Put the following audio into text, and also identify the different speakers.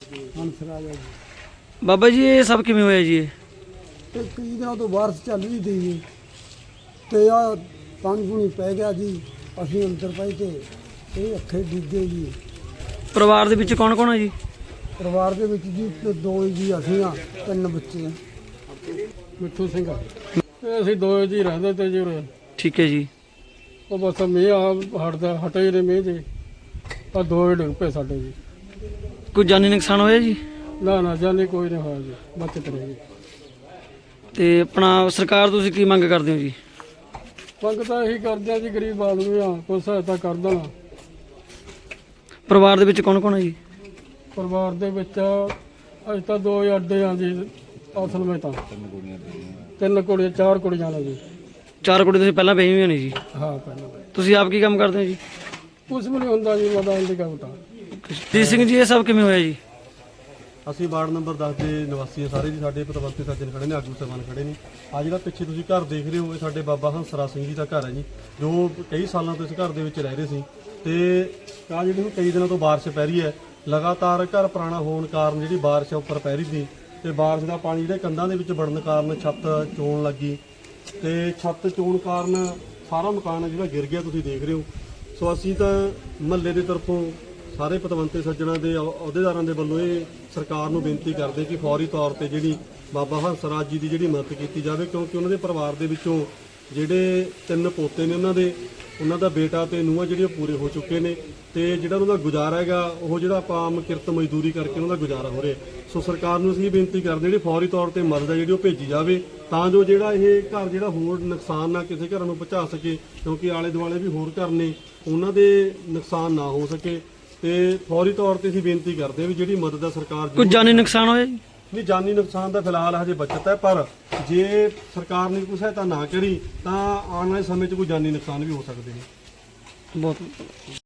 Speaker 1: ਹੰਸਰਾਜ ਹੈ
Speaker 2: ਬਾਬਾ ਜੀ ਇਹ ਸਭ ਕਿਵੇਂ ਹੋਇਆ ਜੀ?
Speaker 1: ਤੇ ਕਈ ਦਿਨਾਂ ਤੋਂ ਬਾਰਿਸ਼ ਚੱਲ ਰਹੀ ਸੀ ਜੀ ਤੇ ਆ ਪਾਣੀ ਪੂਣੀ ਪੈ ਗਿਆ ਜੀ। ਅਸੀਂ ਅੰਦਰ ਪਏ ਤੇ ਇਹ ਅੱਖੇ ਡਿੱਗੇ ਜੀ।
Speaker 2: ਪਰਿਵਾਰ ਦੇ ਵਿੱਚ ਕੌਣ ਕੌਣ ਹੈ ਜੀ?
Speaker 1: ਪਰਿਵਾਰ ਦੇ ਵਿੱਚ ਜੀ ਤੇ ਦੋ ਜੀ ਅਸੀਂ ਆ, 3 ਬੱਚੇ ਆ। ਮਿੱਠੂ ਸਿੰਘ ਇਹ ਅਸੀਂ 2 ਜੀ ਰਹਿੰਦੇ ਤੇ ਜੀ ਉਰੇ।
Speaker 2: ਠੀਕ ਹੈ ਜੀ।
Speaker 1: ਉਹ ਬਸ ਮੀਂਹ ਹਟੇ ਹੀ ਨੇ ਮੀਂਹ ਜੀ, ਆ 2 ਹੀ ਡਿੱਗ ਪਏ ਸਾਡੇ ਜੀ।
Speaker 2: ਕੋਈ ਜਾਨੀ ਨੁਕਸਾਨ ਹੋਇਆ ਜੀ?
Speaker 1: ਨਾ ਜਾਨੀ ਕੋਈ ਨਹੀਂ ਹੋਇਆ ਜੀ, ਬਚਤ ਰਹੀ ਜੀ।
Speaker 2: ਤੇ ਆਪਣਾ ਸਰਕਾਰ ਤੋਂ ਤੁਸੀਂ ਕੀ ਮੰਗ ਕਰਦੇ ਹੋ ਜੀ?
Speaker 1: ਮੰਗ ਤਾਂ ਇਹੀ ਕਰਦੇ ਆ ਜੀ, ਗਰੀਬ ਆਦਮੀ ਆ, ਕੋਈ ਸਹਾਇਤਾ ਕਰ ਦੇਣਾ।
Speaker 2: ਪਰਿਵਾਰ ਦੇ ਵਿੱਚ ਕੌਣ ਕੌਣ ਹੈ ਜੀ?
Speaker 1: ਪਰਿਵਾਰ ਦੇ ਵਿੱਚ ਅੱਜ ਤਾਂ 2 ਹੀ ਅੱਡੇ ਆ ਜੀ ਅਸਲ ਵਿੱਚ ਤਾਂ। 3 ਕੁੜੀਆਂ 4 ਕੁੜੀਆਂ ਨੇ ਜੀ।
Speaker 2: 4 ਕੁੜੀ ਤੁਸੀਂ ਪਹਿਲਾਂ ਪਈ ਹੋਈਆਂ ਨੇ ਜੀ?
Speaker 1: ਹਾਂ ਪਹਿਲਾਂ
Speaker 2: ਤੁਸੀਂ ਆਪ ਕੀ ਕੰਮ ਕਰਦੇ ਹੋ ਜੀ?
Speaker 1: ਕੁਛ ਵੀ ਨਹੀਂ ਹੁੰਦਾ ਜੀ, ਮੋਬਾਈਲ ਦੀ ਕੰਮ ਤਾਂ।
Speaker 2: ਜੀ ਸਿੰਘ ਜੀ ਇਹ ਸਭ ਕਿਵੇਂ ਹੋਇਆ ਜੀ?
Speaker 3: ਅਸੀਂ ਵਾਰਡ ਨੰਬਰ 10 ਦੇ ਨਿਵਾਸੀ ਹਾਂ ਸਾਰੇ ਜੀ। ਸਾਡੇ ਪਤਵੰਤੇ ਸੱਜਣ ਖੜੇ ਨੇ, ਆਗੂ ਸਾਹਿਬਾਨ ਖੜੇ ਨੇ। ਆ ਜਿਹੜਾ ਪਿੱਛੇ ਤੁਸੀਂ ਘਰ ਦੇਖ ਰਹੇ ਹੋ ਇਹ ਸਾਡੇ ਬਾਬਾ ਹੰਸਰਾ ਸਿੰਘ ਜੀ ਦਾ ਘਰ ਹੈ ਜੀ, ਜੋ ਕਈ ਸਾਲਾਂ ਤੋਂ ਇਸ ਘਰ ਦੇ ਵਿੱਚ ਰਹਿ ਰਹੇ ਸੀ। ਤੇ ਆ ਜਿਹੜੀ ਕਈ ਦਿਨਾਂ ਤੋਂ ਬਾਰਿਸ਼ ਪੈ ਰਹੀ ਹੈ ਲਗਾਤਾਰ। ਘਰ ਪੁਰਾਣਾ ਹੋਣ ਕਾਰਨ ਜਿਹੜੀ ਬਾਰਿਸ਼ ਉੱਪਰ ਪੈ ਰਹੀ ਸੀ ਤੇ ਬਾਰਿਸ਼ ਦਾ ਪਾਣੀ ਜਿਹੜੇ ਕੰਧਾਂ ਦੇ ਵਿੱਚ ਵੜਨ ਕਾਰਨ ਛੱਤ ਚੋਣ ਲੱਗੀ ਤੇ ਛੱਤ ਚੋਣ ਕਾਰਨ ਸਾਰਾ ਮਕਾਨ ਜਿਹੜਾ ਗਿਰ ਗਿਆ, ਤੁਸੀਂ ਦੇਖ ਰਹੇ ਹੋ। ਸੋ ਅਸੀਂ ਤਾਂ ਮਹੱਲੇ ਦੇ ਤਰਫੋਂ ਸਾਰੇ ਪਤਵੰਤੇ ਸੱਜਣਾਂ ਦੇ ਅਹੁਦੇਦਾਰਾਂ ਦੇ ਵੱਲੋਂ ਇਹ ਸਰਕਾਰ ਨੂੰ ਬੇਨਤੀ ਕਰਦੇ ਕਿ ਫੌਰੀ ਤੌਰ ਤੇ ਜਿਹੜੀ ਬਾਬਾ ਹੰਸਰਾਜ ਜੀ ਦੀ ਜਿਹੜੀ ਮਦਦ ਕੀਤੀ ਜਾਵੇ, ਕਿਉਂਕਿ ਉਹਨਾਂ ਦੇ ਪਰਿਵਾਰ ਦੇ ਵਿੱਚੋਂ ਜਿਹੜੇ 3 ਪੋਤੇ ਨੇ ਉਹਨਾਂ ਦਾ ਬੇਟਾ ਤੇ ਨੂੰਹਾਂ ਜਿਹੜੀਆਂ ਪੂਰੇ ਹੋ ਚੁੱਕੇ ਨੇ ਤੇ ਜਿਹੜਾ ਉਹਨਾਂ ਦਾ ਗੁਜ਼ਾਰਾ ਹੈਗਾ ਉਹ ਜਿਹੜਾ ਆਪਾਂ ਆਮ ਕਿਰਤ ਮਜ਼ਦੂਰੀ ਕਰਕੇ ਉਹਨਾਂ ਦਾ ਗੁਜ਼ਾਰਾ ਹੋ ਰਿਹਾ। ਸੋ ਸਰਕਾਰ ਨੂੰ ਅਸੀਂ ਬੇਨਤੀ ਕਰਦੇ ਜਿਹੜੀ ਫੌਰੀ ਤੌਰ ਤੇ ਮਦਦ ਹੈ ਜਿਹੜੀ ਉਹ ਭੇਜੀ ਜਾਵੇ, ਤਾਂ ਜੋ ਜਿਹੜਾ ਇਹ ਘਰ ਜਿਹੜਾ ਹੋਰ ਨੁਕਸਾਨ ਨਾ ਕਿਸੇ ਘਰਾਂ ਨੂੰ ਪਹੁੰਚਾ ਸਕੇ, ਕਿਉਂਕਿ ਆਲੇ ਦੁਆਲੇ ਵੀ ਹੋਰ ਘਰ ਨੇ, ਉਹਨਾਂ ਦੇ ਨੁਕਸਾਨ ਨਾ ਹੋ ਸਕੇ। ਤੇ ਫੌਰੀ ਤੌਰ ਤੇ ਅਸੀਂ ਬੇਨਤੀ ਕਰਦੇ ਵੀ ਜਿਹੜੀ ਮਦਦ ਹੈ ਸਰਕਾਰ
Speaker 2: ਕੋਈ ਜਾਨੀ ਨੁਕਸਾਨ ਹੋਇਆ ਜੀ?
Speaker 3: ਨਹੀਂ, ਜਾਨੀ ਨੁਕਸਾਨ ਦਾ ਫਿਲਹਾਲ ਹਜੇ ਬਚਤ ਹੈ, ਪਰ ਜੇ ਸਰਕਾਰ ਨੇ ਕੋਈ ਸਹਾਇਤਾ ਨਾ ਕਰੀ ਤਾਂ ਆਉਣ ਵਾਲੇ ਸਮੇਂ 'ਚ ਕੋਈ ਜਾਨੀ ਨੁਕਸਾਨ ਵੀ ਹੋ ਸਕਦੇ ਨੇ।
Speaker 2: ਬਹੁਤ